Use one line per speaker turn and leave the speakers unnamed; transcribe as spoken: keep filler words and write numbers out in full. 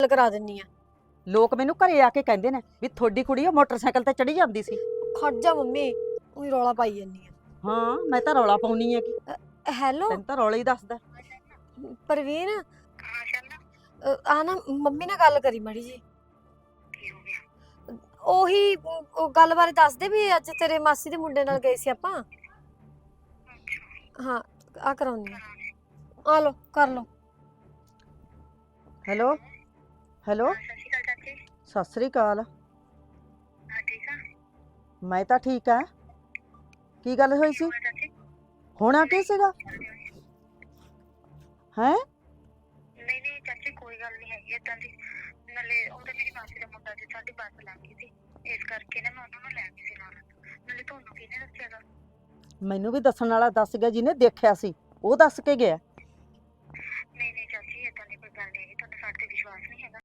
ਗੱਲ ਕਰਾ ਦਿੰਨੀ ਆ।
ਲੋਕ ਮੈਨੂੰ ਘਰੇ ਆ ਕੇ ਕਹਿੰਦੇ ਨੇ ਵੀ ਤੁਹਾਡੀ ਕੁੜੀ ਉਹ ਮੋਟਰਸਾਈਕਲ ਤੇ ਚੜੀ ਜਾਂਦੀ ਸੀ।
ਖੜ ਜਾ ਮੰਮੀ, ਉਹੀ ਰੌਲਾ ਪਾਈ ਜਾਂਦੀ ਆ।
ਹਾਂ ਮੈਂ ਤਾਂ ਰੌਲਾ ਪਾਉਣੀ ਹੈ ਕਿ
ਹੈਲੋ
ਤੈਨੂੰ ਤਾਂ ਰੌਲਾ ਹੀ ਦੱਸਦਾ।
ਪ੍ਰਵੀਨ,
ਹਾਂ ਚੱਲ
ਅ, ਆ ਨਾ ਮੰਮੀ ਨਾਲ ਗੱਲ ਕਰੀ ਮਾੜੀ ਜੀ।
ਕੀ ਹੋ ਗਿਆ?
ਉਹੀ ਉਹ ਗੱਲ ਬਾਰੇ ਦੱਸ ਦੇ ਵੀ ਅੱਜ ਤੇਰੇ ਮਾਸੀ ਦੇ ਮੁੰਡੇ ਨਾਲ ਗਏ ਸੀ ਆਪਾਂ।
ਅੱਛਾ
ਹਾਂ ਆ ਕਰਾਉਣੀ ਆ, ਲੋ ਕਰ ਲੋ।
ਹੈਲੋ ਹੈਲੋ
ਸਤਿ ਸ਼੍ਰੀ ਅਕਾਲ ਚਾਚੀ।
ਸਤਿ ਸ੍ਰੀ ਅਕਾਲ।
ਹਾਂ ਠੀਕ ਆ।
ਮੈਂ ਤਾਂ ਠੀਕ ਆ। ਕੀ ਗੱਲ ਹੋਈ ਸੀ?
ਹੋਰ ਚਾਚੀ
ਹੋਣਾ ਕੀ ਸੀਗਾ? ਹੈ
ਨਹੀਂ ਨਹੀਂ ਚਾਚੀ ਕੋਈ ਗੱਲ ਨਹੀਂ ਹੈਗੀ ਏਦਾਂ ਦੀ। ਨਾਲੇ ਉਹ ਤਾਂ ਮੇਰੀ ਮਾਸੀ ਦਾ ਮੁੰਡਾ ਸੀ, ਸਾਡੀ ਬੱਸ ਲੰਘ ਗਈ ਸੀ ਇਸ ਕਰਕੇ ਨਾ ਮੈਂ ਉਹਨਾਂ ਨੂੰ ਲੈ ਗਈ ਸੀ ਨਾਲ। ਨਾਲੇ ਤੁਹਾਨੂੰ ਕਿਹਨੇ ਦੱਸਿਆਗਾ?
ਮੈਨੂੰ ਵੀ ਦੱਸਣ ਵਾਲਾ ਦੱਸ ਗਿਆ ਜਿਹਨੇ ਦੇਖਿਆ ਸੀ, ਉਹ ਦੱਸ ਕੇ ਗਿਆ।